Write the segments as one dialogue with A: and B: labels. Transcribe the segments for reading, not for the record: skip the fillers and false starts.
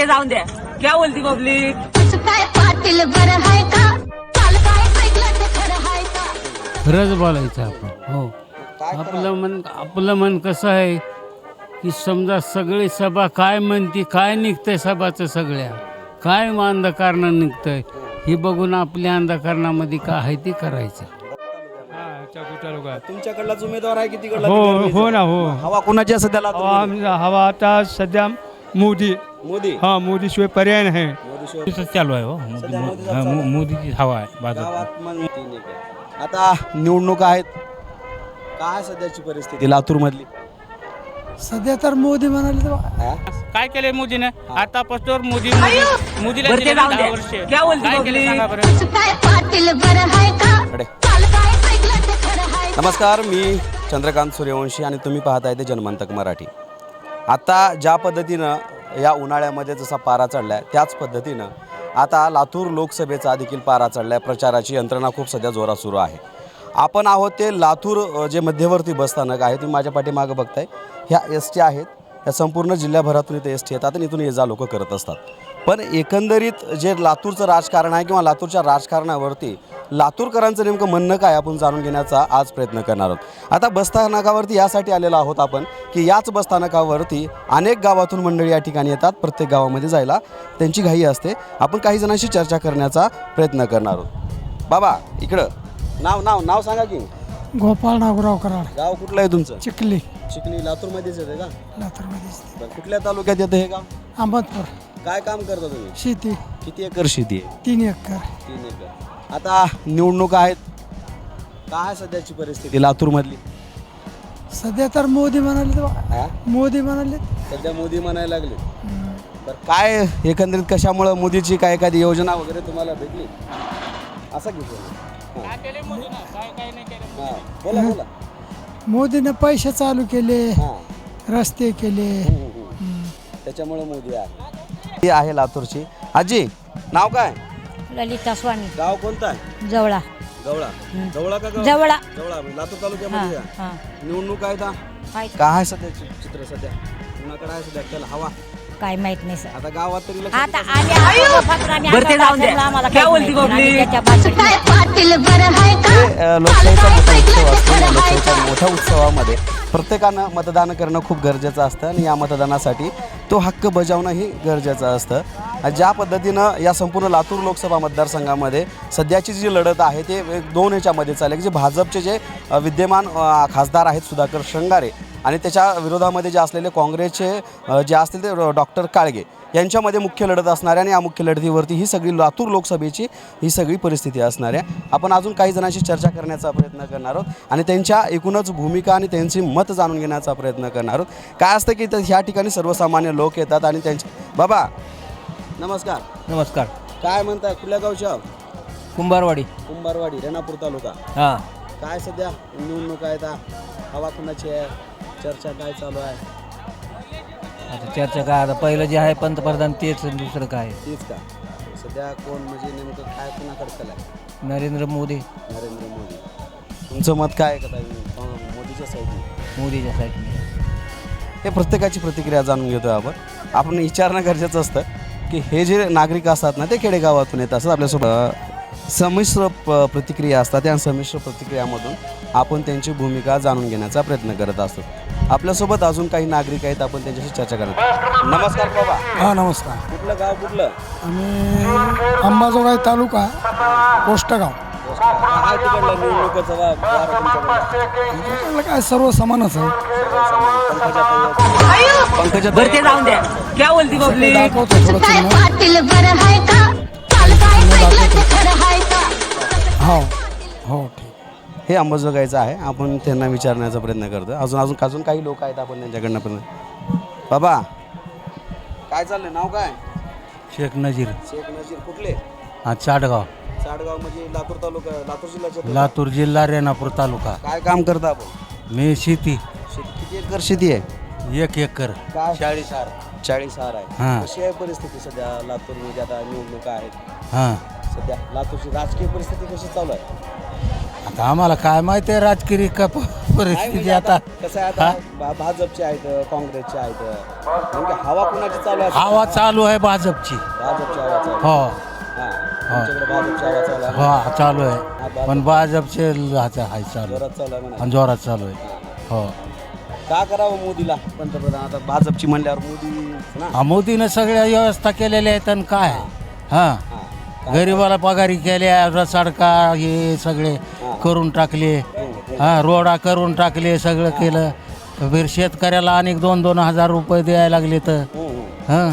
A: जाऊन द्या. क्या बोलती पब्लिक.
B: काय पाटील बरं आहे का? काल काय ऐकलं ते खरं आहे का?
C: खरंच बोलायचं आपण. हो, आपलं मन कसं आहे की समजा सगळी सभा काय म्हणती, काय निघतंय सभाचं, सगळ्या काय अंधकारणं निघतंय हे बघून आपल्या अंधकारणामध्ये काय आहे ते करायचं.
D: तुमच्याकडलाच उमेदवार आहे की तिकडला?
E: हो ना. हो,
D: हवा कोणाची आहे सध्याला?
E: हवा आता सध्या मोदी.
D: मोदी.
E: हा, मोदी शिवाय पर्याय नाही.
D: मोदी
C: चालू आहे. हो, मोदीची हवा आहे
D: गावात मग 3 एकर. आता निवडणूक आहेत, काय सध्याची परिस्थिती लातूर मधली?
F: सध्या तर मोदी म्हणाले तर
C: काय केलंय मोदीनं आतापासून मोदीला
A: वरती
C: दिले
A: जाऊन
C: 10
A: द्या.
C: वर्ष.
A: क्या बोलती
C: काय केलं
A: पब्लिक.
C: सांगा बरं.
B: काय पाटील बरं आहे का?
D: कडे.
B: काल काय ऐकलं ते खरं आहे का?
D: नमस्कार, मी चंद्रकांत सूर्यवंशी आणि तुम्ही पाहताय ते जनमंतक मराठी. आता ज्या पद्धतीनं या उन्हाळ्यामध्ये जसा पारा चढला आहे त्याच पद्धतीनं आता लातूर लोकसभेचा देखील पारा चढला आहे. प्रचाराची यंत्रणा खूप सध्या जोरात सुरू आहे. आपण आहोत ते लातूर जे मध्यवर्ती बसस्थानक आहे, तुम्ही माझ्या पाठीमागं बघताय, ह्या एस.टी आहेत. या संपूर्ण जिल्ह्याभरातून इथे एस.टी येतात आणि इथून ये जा लोक करत असतात. पण एकंदरीत जे लातूरचं राजकारण आहे किंवा लातूरच्या राजकारणावरती लातूरकरांचं नेमकं म्हणणं काय आपण जाणून घेण्याचा आज प्रयत्न करणार आहोत. आता बसस्थानकावरती यासाठी आलेलो आहोत आपण की याच बसस्थानकावरती अनेक गावातून मंडळी या ठिकाणी येतात. प्रत्येक गावामध्ये जायला त्यांची घाई असते. आपण काही जणांशी चर्चा करण्याचा प्रयत्न करणार आहोत. बाबा इकडं नाव सांगा की.
F: गोपाळ नागराव कराड,
D: गाव कुठलं आहे तुमचं?
F: चिखली,
D: चिखली लातूरमध्येच येते का?
F: लातूरमध्ये.
D: बरं, कुठल्या तालुक्यात येतं हे गाव?
F: अहमदपूर.
D: काय काम करता तुम्ही?
F: शेती
D: किती एकर शेती आहे?
F: 3 एकर.
D: 3 एकर. आता निवडणूक आहेत, काय सध्याची परिस्थिती लातूरमधली?
F: सध्या तर मोदी म्हणाले तर
D: हा?
F: मोदी म्हणाले.
D: सध्या मोदी म्हणायला लागले. बरं, काय एकंदरीत कशामुळं मोदीची काय एखादी योजना वगैरे तुम्हाला भेटली असं घेतो? बोला.
F: मोदीने पैसे चालू केले,
D: हां,
F: रस्ते केले.
D: त्याच्यामुळे मोदी आहे. ती आहे लातूरची. आजी नाव काय?
G: ललिता स्वामी,
D: गाव कोणतं आहे?
G: जवळा.
D: जवळा का गाव?
G: जवळा.
D: जवळा लातूर तालुक्यामध्ये आहे.
G: हां.
D: निवडणूक आहे का?
G: काय
D: काय सध्या चित्र सध्या कुणाकडे आहे सध्या त्याला हवा?
G: काय माहित नाही सर.
D: आता गावात तरी लक्ष
G: आता
D: देतात.
G: आम्ही आलो फक्त आम्ही
A: वरती
G: आता
A: जाऊन द्या.
G: बाजूला आम्हाला
A: क्या
G: काहीच
A: बोलती
G: माहित नाही.
A: पब्लिक.
G: आम्ही त्याच्या बाजूला.
B: काय पाटील बरं आहे का?
D: हे लोकशाहीचा मोठा उत्सव असतो. या लोकशाहीच्या मोठ्या उत्सवामध्ये प्रत्येकानं मतदान करणं खूप गरजेचं असतं आणि या मतदानासाठी तो हक्क बजावणं ही गरजेचं असतं. ज्या पद्धतीनं या संपूर्ण लातूर लोकसभा मतदारसंघामध्ये सध्याची जी लढत आहे ते 2 याच्यामध्ये चालली की जे भाजपचे जे विद्यमान खासदार आहेत सुधाकर श्रंगारे आणि त्याच्या विरोधामध्ये जे असलेले काँग्रेसचे जे असतील ते डॉक्टर काळगे यांच्यामध्ये मुख्य लढत असणार आहे. आणि या मुख्य लढतीवरती ही सगळी लातूर लोकसभेची ही सगळी परिस्थिती असणार आहे. आपण अजून काही जणांशी चर्चा करण्याचा प्रयत्न करणार आहोत आणि त्यांच्या एकूणच भूमिका आणि त्यांची मत जाणून घेण्याचा प्रयत्न करणार आहोत. काय असतं की ह्या ठिकाणी सर्वसामान्य लोक येतात आणि त्यांचे. बाबा नमस्कार.
H: नमस्कार.
D: काय म्हणताय, कुठल्या गावच्या?
H: कुंभारवाडी.
D: कुंभारवाडी, रेणापूर तालुका.
H: हां.
D: काय सध्या निवडणूक आहेत, हवा कुणाची आहे, चर्चा काय चालू आहे?
H: आता चर्चा काय, आता पहिलं जे आहे पंतप्रधान तेच, दुसरं काय?
D: तीच का? सध्या कोण म्हणजे नेमकं काय कुणाकडे चाललंय?
H: नरेंद्र मोदी.
D: नरेंद्र मोदी. तुमचं मत काय आहे का ताई? मोदीच्या साईडने?
H: मोदीच्या साईडने.
D: हे प्रत्येकाची प्रतिक्रिया जाणून घेतो आपण विचारणं गरजेचं असतं की हे जे नागरिक असतात ना ते खेडेगावातून येत असतात. आपल्यासोबत संमिश्र प्रतिक्रिया असतात. त्या संमिश्र प्रतिक्रियामधून आपण त्यांची भूमिका जाणून घेण्याचा प्रयत्न करत असतो. आपल्यासोबत अजून काही नागरिक आहेत, आपण त्यांच्याशी चर्चा करत. नमस्कार बाबा.
F: हा नमस्कार.
D: कुठलं गाव कुठलं?
F: आम्ही अंबाजोगाई तालुका, कोष्टगाव.
D: काय तिकडलं निवडणुकीचं वार तुमच्याकडे?
F: आमच्याकडलं काय सर्व समानच आहे.
D: पंकजा
A: वरती जाऊन द्या. क्या बोलती पब्लिक.
F: दाखवतो थोडं
B: काय
F: चिन्ह.
B: पाटील बरं आहे का? काल काय ऐकलं ते खरं आहे का?
F: हो ठीक.
D: हे अंबाजोगाईचं आहे. आपण त्यांना विचारण्याचा प्रयत्न करतो. अजून काही लोक आहेत, आपण त्यांच्याकडनं पण. बाबा काय चाललंय, नाव काय?
C: शेख नजीर.
D: शेख नजीर. कुठले?
C: चाडगाव.
D: साडगाव म्हणजे लातूर तालुका, लातूर जिल्ह्याचे.
C: लातूर जिल्हा, रेणापूर तालुका.
D: काय काम करता आपण?
C: मी शेती.
D: शेती किती एकर शेती आहे?
C: 1 एकर.
D: काय?
C: 40
D: आहे.
C: हां.
D: कशी आहे परिस्थिती सध्या लातूरमध्ये? आता निवडणुका आहेत
C: हां.
D: सध्या. लातूरची राजकीय परिस्थिती कशी चालू आहे?
C: आता आम्हाला काय माहिती आहे राजकीय का
F: परिस्थिती आता
D: कसं आहे आता भाजपचे आहेत काँग्रेसचे आहेत नेमकी हवा कुणाची चालू आहे
F: हवा चालू आहे भाजपची
D: भाजपची हवा चालू आहे.
F: हो
D: हां तुमच्याकडे भाजपची हवा चालू आहे
F: हो चालू आहे पण भाजपचे आहे चालू
D: जोरात चालू आहे म्हणा
F: आणि जोरात चालू आहे हो
D: का करावं मोदीला पंतप्रधान आता भाजपची म्हणल्यावर मोदी ना
F: हा, मोदीनं सगळ्या व्यवस्था केलेल्या आहेत आणि काय हां गरिबाला पगारी केल्या सडका हे सगळे करून टाकले हां रोडा करून टाकले सगळं केलं फिर शेतकऱ्याला अनेक 2-2 हजार रुपये द्यायला लागले तर हां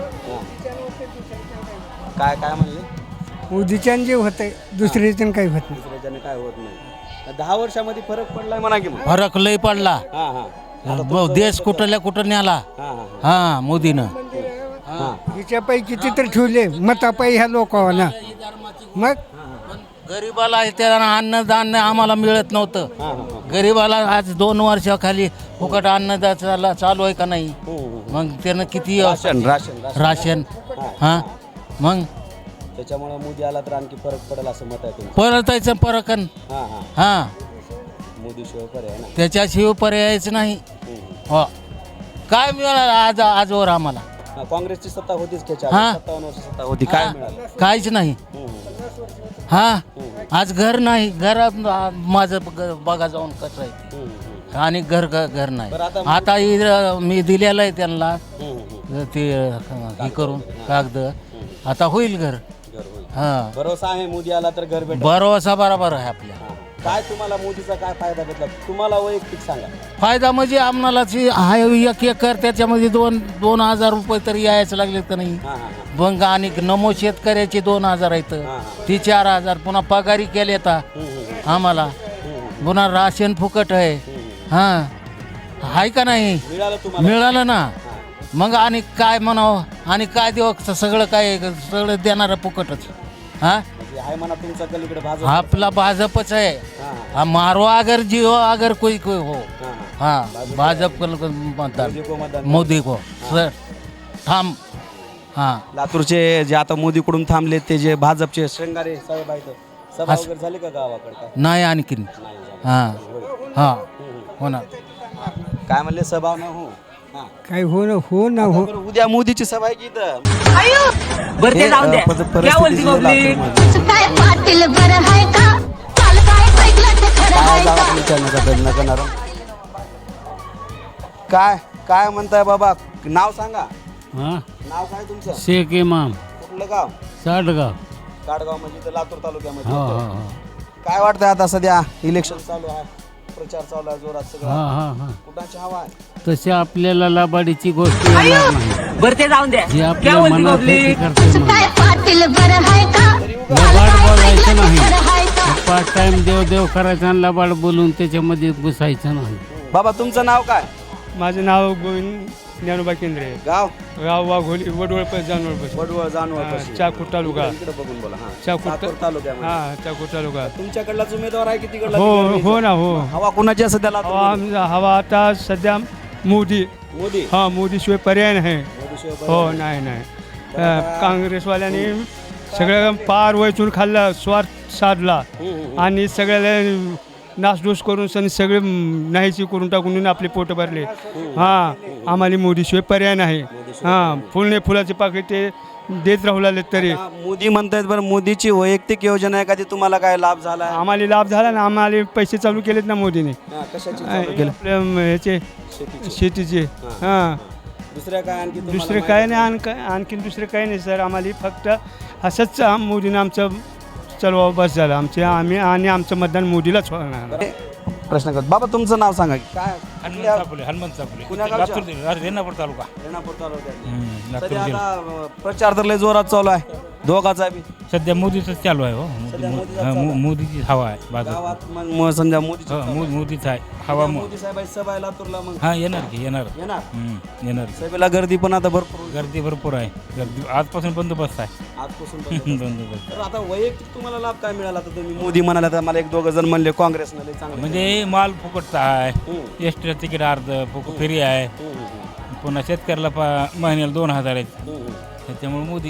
D: काय काय म्हणले
E: मोदीच्यान जे होतंय दुसऱ्याच्यान काही होत नाही.
D: दुसऱ्याच्याने काय होत नाही 10 वर्षामध्ये फरक पडलाय म्हणा की मग
F: फरक लय पडला
D: हां हां
F: देश कुठल्या कुठं न्याला
D: हां हां
F: हां मोदीनं
E: हिच्यापैकी चित्र ठेवले मतापायी ह्या लोकांना मग
F: गरीबाला त्याला अन्नदान आम्हाला मिळत नव्हतं गरीबाला आज 2 वर्षाखाली फुकट अन्नदान चालू आहे का नाही मग त्यानं किती
D: राशन राशन राशन
F: राशन हां मग
D: त्याच्यामुळे मोदी आला तर आणखी फरक पडेल असं मत आहे तुमचं
F: परतायचं परकन
D: हां हां
F: हां
D: मोदी शिवाय पर्याय ना
F: त्याच्याशिवाय पर्यायच नाही हो काय मिळालं आजवर आम्हाला
D: हां, काँग्रेसची सत्ता होतीच त्याच्या
F: हां.
D: 57 वर्ष सत्ता होती काय मिळालं
F: काहीच नाही हां आज घर नाही घरात माझं बघा जाऊन कसं आहे ते. आणि घर नाही
D: बरं, आता
F: आता मी दिलेलं आहे त्यांना ते हे करून कागद आता होईल घर
D: घर होईल.
F: हां
D: भरोसा आहे मोदी आला तर घर भेटेल
F: भरोसा बरोबर आहे आपल्या
D: काय तुम्हाला मोदीचा काय फायदा भेटला तुम्हाला वैयक्तिक सांगा
F: फायदा म्हणजे आम्हाला जी आहे 1 एकर त्याच्यामध्ये 2,000 रुपये तरी यायचं लागले तर नाही
D: हां हां हां
F: मग आणि नमो शेतकऱ्याचे 2,000 आहेत
D: हां.
F: ती 4,000 पुन्हा पगारी केले तर आम्हाला पुन्हा राशन फुकट आहे हां आहे का नाही
D: मिळालं तुम्हाला
F: मिळालं ना मग आणि काय म्हणावं आणि काय देऊ सगळं काय सगळं देणारं फुकटच हां
D: म्हणजे आहे म्हणा तुमचा कलीकडे भाजप
F: आपला भाजपच आहे
D: हां
F: हा मारो अगर जिओ अगर कोई कोई हो
D: हां
F: हाँ भाजप को मतदान
D: मोदी को मतदान
F: मोदी को सर थांब हाँ
D: लातूरचे जे आता मोदीकडून थांबले ते जे भाजपचे श्रंगारे साहेब आहेत सभा वगैरे झाली का गावाकडे काय
F: नाही आणखीन
D: नाही झाली.
F: हां हां होणार
D: काय म्हणले सभा न हो हां.
E: काही हो ना हो
D: बरं, उद्या मोदीची सभा आहे की इथं
A: बरं ते जाऊन द्या क्या बोलती पब्लिक
B: काय पाटील बरं आहे का काल काय ऐकलं ते खरं
D: काय
B: आहे
D: जावा
B: का
D: विचारण्याचा प्रयत्न करणार काय काय म्हणताय बाबा नाव सांगा
C: हां
D: नाव काय तुमचं
C: शेख इमाम
D: कुठलं गाव
C: साडगाव
D: काडगाव म्हणजे इथं लातूर तालुक्यामध्ये
C: हो
D: येतं.
C: हो हो
D: काय वाटतंय आता सध्या इलेक्शन चालू आहे प्रचार चालू आहे जोरात सगळं
C: हां हां हां
D: कुणाची हवा आहे
C: तशी आपल्याला लबाडीची गोष्ट येणार नाही
A: बरं ते जाऊन द्या
C: जी
A: क्या
C: आपल्या
A: बोलती
C: मनात
A: पब्लिक
C: होती करते म्हणून.
B: काय पाटील बरं आहे का
C: लबाड बोलायचं नाही
B: खरं आहे का
C: पाच टाइम देव करायचा आणि लबाड बोलून त्याच्यामध्ये घुसायचं नाही
D: बाबा तुमचं नाव काय
E: माझं नाव गोविंद ज्ञानोबा केंद्रे
D: गाव
E: गाव वाघोली वडवळ जानवळ
D: वडवळ जानवळ
E: चाकूर तालुका
D: इकडे बघून बोला हा
E: चाकूर
D: लातूर तालुक्यामध्ये
E: हां चाकूर तालुका
D: तुमच्याकडलाच उमेदवार आहे की तिकडला
E: हो ना हो
D: हवा कुणाची आहे सध्या लातूरमध्ये?
E: हवा आता सध्या मोदी
D: मोदी
E: हां मोदीशिवाय पर्याय नाही
D: मोदीशिवाय
E: हो नाही काँग्रेसवाल्यांनी सगळं पार वैचून खाल्ला स्वार्थ साधला आणि सगळ्याला नासधूस करून सगळे नाहीची करून टाकून आपले पोट भरले हां आम्हाला मोदीशिवाय पर्याय नाही हां फुलाचे पाकिट ते देत राहू लागले तरी
D: हा, मोदी म्हणतायत बरं मोदीची वैयक्तिक योजना आहे का ती तुम्हाला काय लाभ झाला आहे?
E: आम्हाला लाभ झाला ना आम्हाला पैसे चालू केलेत ना मोदीने
D: हा, कशाची चालू केलं?
E: आपल्या ह्याचे
D: शेतीची.
E: शेतीचे हां
D: दुसऱ्या काय आणखी तुम्हाला
E: दुसरं काय नाही आणखीन दुसरं काही नाही सर आम्हाला फक्त असंच मोदीनं आमचं चलवा बस झालं आम्ही आमचं मतदान मोदीलाच होणार
D: माहिती? प्रश्न करत बाबा तुमचं नाव सांगा की काय
I: हनुमंत चापुले
D: कुण्या गावच्या?
I: रेणापूर तालुका
D: रेणापूर तालुक्यात.
I: लातूर
D: सध्या
I: जिल्हा.
D: आता प्रचार तर लय जोरात चालू आहे दोघाचा बी
I: सध्या मोदीच चालू आहे हो
D: सध्या मोदीचंच चालू आहे.
I: मोदीची हवा आहे बाजू
D: गावात मग समजा मोदीची
I: मोदीच आहे हवा
D: मोदी साहेबांची सभा आहे लातूरला मग
I: हा येणार की येणार
D: येणार
I: येणार की.
D: सभेला गर्दी पण आता भरपूर होईल.
I: गर्दी भरपूर आहे गर्दी आजपासून बंदोबस्त आहे
D: आजपासून बंद.
I: बंदोबस्त
D: तर आता वैयक्तिक तुम्हाला लाभ काय मिळाला आता तुम्ही मोदी म्हणाला तर मला 1-2 जण म्हणले काँग्रेसनं लय चांगलं
I: म्हणजे माल फुकटचा आहे एसटीला तिकीट अर्ध फ्री आहे पुन्हा शेतकऱ्याला महिन्याला 2,000 आहेत त्याच्यामुळे मोदी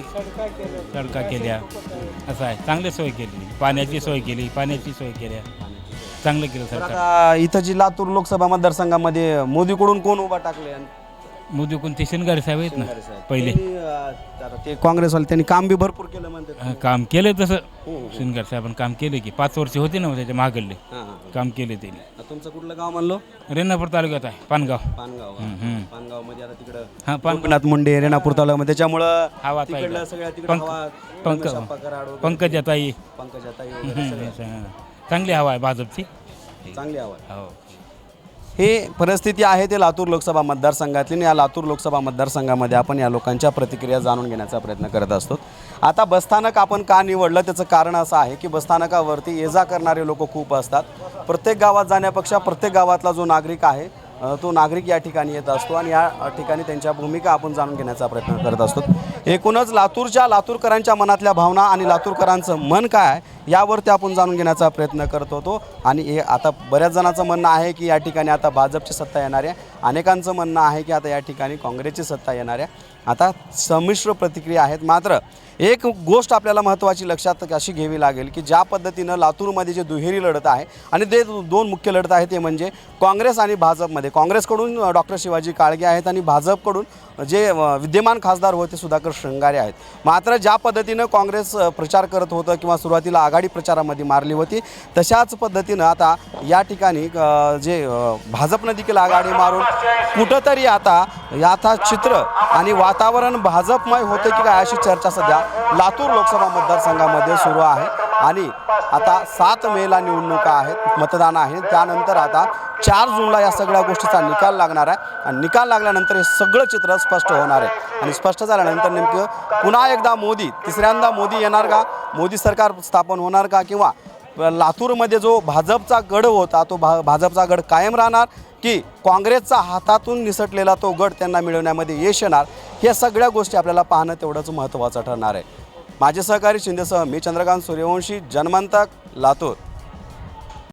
I: सडका केल्या असं आहे चांगली सोय केली पाण्याची सोय केली चांगलं केलं सरकार.
D: आता इथं जी लातूर लोकसभा मतदारसंघामध्ये मोदीकडून कोण उभा टाकले?
I: मोदी कोणते शिनगारे साहेब आहेत ना पहिले.
D: ते काँग्रेसवाले त्यांनी काम बी भरपूर केलं म्हणतात.
I: काम केलं तसं शिनगार साहेबांनी काम केलं की 5 वर्ष होते ना त्याच्या मागले काम केले त्यांनी.
D: तुमचं कुठलं गाव म्हणलो?
I: रेणापूर तालुक्यात आहे पानगाव.
D: पानगाव मध्ये आता तिकडं
I: हां
D: पंकनाथ मुंडे रेणापूर तालुक्यामध्ये त्याच्यामुळं
I: हवा
D: तिकडलं सगळ्या तिकडं हवा
I: पंकजाताई चांगली हवा आहे भाजपची.
D: चांगली हवा आहे.
I: हो.
D: हे परिस्थिती आहे ते लातूर लोकसभा मतदारसंघातली. या लातूर लोकसभा मतदारसंघामध्ये आपण या लोकांच्या प्रतिक्रिया जाणून घेण्याचा प्रयत्न करत असतो. आता बसस्थानक आपण का निवडलं त्याचं कारण असं आहे की बसस्थानकावरती ये जा करणारे लोक खूप असतात. प्रत्येक गावात जाण्यापेक्षा प्रत्येक गावातला जो नागरिक आहे तो नागरिक या ठिकाणी येत असतो आणि या ठिकाणी त्यांच्या भूमिका आपण जाणून घेण्याचा प्रयत्न करत असतो. एकूणच लातूरकरांच्या मनातल्या भावना आणि लातूरकरांचं मन काय आहे यावरती आपण जाणून घेण्याचा प्रयत्न करत होतो. आणि हे आता बऱ्याच जणांचं म्हणणं आहे की या ठिकाणी आता भाजपची सत्ता येणार आहे. अनेकांचं म्हणणं आहे की आता या ठिकाणी काँग्रेसची सत्ता येणार आहे. आता संमिश्र प्रतिक्रिया आहेत. मात्र एक गोष्ट आपल्याला महत्त्वाची लक्षात अशी घ्यावी लागेल की ज्या पद्धतीनं लातूरमध्ये जे दुहेरी लढत आहे आणि ते दोन मुख्य लढत आहे ते म्हणजे काँग्रेस आणि भाजपमध्ये. काँग्रेसकडून डॉक्टर शिवाजी काळगे आहेत आणि भाजपकडून जे विद्यमान खासदार होते सुधाकर श्रृंगारे आहेत. मात्र ज्या पद्धतीनं काँग्रेस प्रचार करत होतं किंवा सुरुवातीला आघाडी प्रचारामध्ये मारली होती तशाच पद्धतीनं आता या ठिकाणी जे भाजपनं देखील आघाडी मारून कुठंतरी आता चित्र आणि वातावरण भाजपमय होते की काय अशी चर्चा सध्या लातूर लोकसभा मतदारसंघामध्ये सुरू आहे. आणि आता 7 मेला निवडणुका आहेत, मतदान आहे. त्यानंतर आता 4 जूनला या सगळ्या गोष्टीचा निकाल लागणार आहे आणि निकाल लागल्यानंतर हे सगळं चित्र स्पष्ट होणार आहे. आणि स्पष्ट झाल्यानंतर नेमकं पुन्हा एकदा तिसऱ्यांदा मोदी येणार का, मोदी सरकार स्थापन होणार का, किंवा लातूरमध्ये जो भाजपचा गड होता तो भाजपचा गड कायम राहणार की काँग्रेसचा हातातून निसटलेला तो गड त्यांना मिळवण्यामध्ये यश येणार, या सगळ्या गोष्टी आपल्याला पाहणं तेवढंच महत्त्वाचं ठरणार आहे. माझे सहकारी शिंदेसह मी चंद्रकांत सूर्यवंशी, जनमंतक, लातूर.